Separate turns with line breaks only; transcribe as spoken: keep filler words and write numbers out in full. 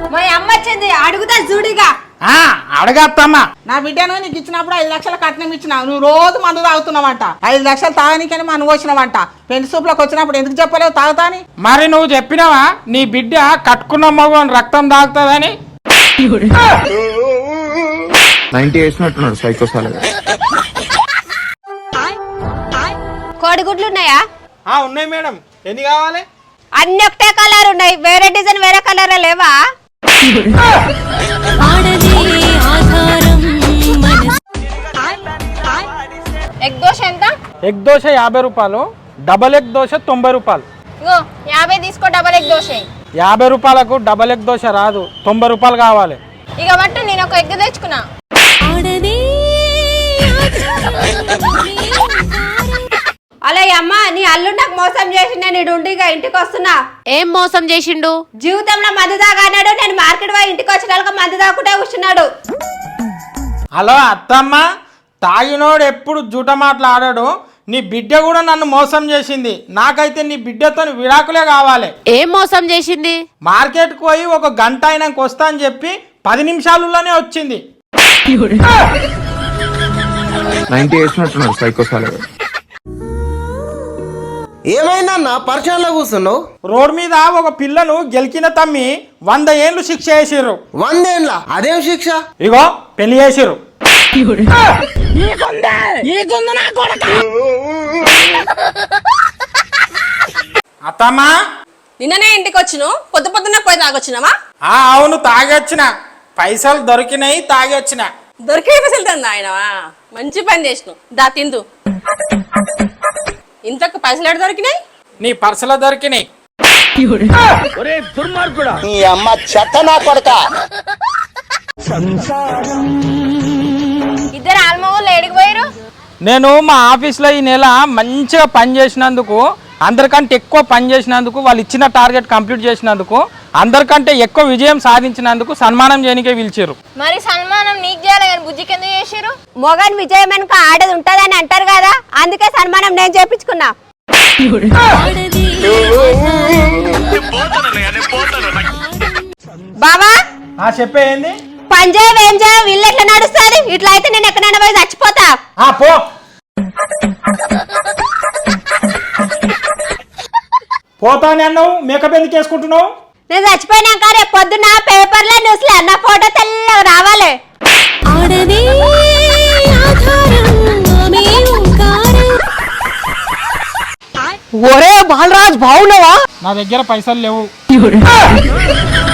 మా అమ్మ వచ్చింది అడుగుతా చూడిగా.
అడగత్తమ్మా.
నా బిడ్డను నీకు ఇచ్చినప్పుడు ఐదు లక్షల కట్నం ఇచ్చినావు, నువ్వు రోజు మందు తాగుతున్నావంట. ఐదు లక్షలు తాగనీకని మనం వచ్చినావంట. పెళ్లి సూపులోకి వచ్చినప్పుడు ఎందుకు చెప్పలేవు తాగుతాని?
మరి నువ్వు చెప్పినావా నీ బిడ్డ కట్టుకున్న మగని రక్తం తాగుతుందని?
కోడిగుడ్లు ఉన్నాయా?
ఉన్నాయి మేడం. ఎన్ని కావాలి?
అన్ని ఒకటే కలర్ ఉన్నాయి, వేరే డిజైన్ వేరే కలర్ లేవా? ఎగ్ దోశ ఎంత?
ఎగ్ దోశ యాభై రూపాయలు, డబల్ ఎగ్ దోశ తొంభై రూపాయలు.
ఇగో యాభై తీసుకో, డబల్ ఎగ్ దోశ.
యాభై రూపాయలకు డబల్ ఎగ్ దోశ రాదు, తొంభై రూపాయలు కావాలి.
ఇక బట్టు నేను ఒక ఎగ్ తెచ్చుకున్నా. అలా అమ్మ, నీ అల్లుడు నాకు మోసం చేసిండే, నేను ఉండిగా ఇంటికి వస్తున్నా.
ఏం మోసం చేసిండు?
జీవితంలో మందు తాగన్నాడు, నేను మార్కెట్ పోయి ఇంటికి వచ్చిన మందు తాగుకుంటే కూర్చున్నాడు.
హలో అత్తమ్మ, తాగినోడు ఎప్పుడు జూట మాట్లాడాడు. నీ బిడ్డ కూడా నన్ను మోసం చేసింది. నాకైతే నీ బిడ్డతో విడాకులే కావాలి.
ఏం మోసం చేసింది?
మార్కెట్కి పోయి ఒక గంట అయినాక వస్తా అని చెప్పి పది నిమిషాలలోనే వచ్చింది.
ఏమైందన్నా పరిచయంలో కూర్చున్నావు?
రోడ్ మీద ఒక పిల్లను గెలికిన తమ్మి వంద ఏళ్ళు శిక్ష చేసిర్రు.
వందేండ్ల? అదేం శిక్ష?
ఇగో పెళ్లి చేసిర్రు. అత్తమ్మా,
నిన్ననే ఇంటికి వచ్చిను, పొద్దు పొద్దున్న పోయి తాగొచ్చినావా?
ఆ అవును, తాగొచ్చిన. పైసలు దొరికినాయి, తాగొచ్చిన.
దొరికే పైసలు తందా ఆయనవా? మంచి పని చేసినావు, దా తిందు. ఇంతకు పైసలు ఎక్కడ దొరికినాయి?
నీ పర్సలో దొరికినాయి.
నీ అమ్మ చెత్త నా కొడక.
ఇద్దరు ఆల్మోళ్ళు ఏడికి పోయారు?
నేను మా ఆఫీస్లో ఈ నెల మంచిగా పని చేసినందుకు, అందరికంటే ఎక్కువ పని చేసినందుకు, వాళ్ళు ఇచ్చిన టార్గెట్ కంప్లీట్ చేసినందుకు, అందరికంటే ఎక్కువ విజయం సాధించినందుకు సన్మానం చేయనికే పిలిచారు.
మరి సన్మానం నీకు చేయాలి కానీ బుజ్జికి ఎందుకు చేసారు? మొగన్ విజయం వెనుక ఆడది ఉంటదని అంటారు కదా, అందుకే సన్మానం నేను చేపించుకున్నా. బాబా
చెప్పే ఏంది?
పంజాబ్ ఏం చేయ వీళ్ళు ఎట్లా నడుస్తుంది? ఇట్లా అయితే నేను ఎక్కడైనా పోయి చచ్చిపోతా.
పో. పోతానే అన్నావు, మేకప్ ఎందుకు వేసుకుంటున్నావు?
నేను చచ్చిపోయినాక రేపు పొద్దున్న పేపర్లో న్యూస్లో నా ఫోటో తెల్లగా రావాలి.
ఒరే బాలరాజ్, బాగున్నావా?
నా దగ్గర పైసలు లేవు.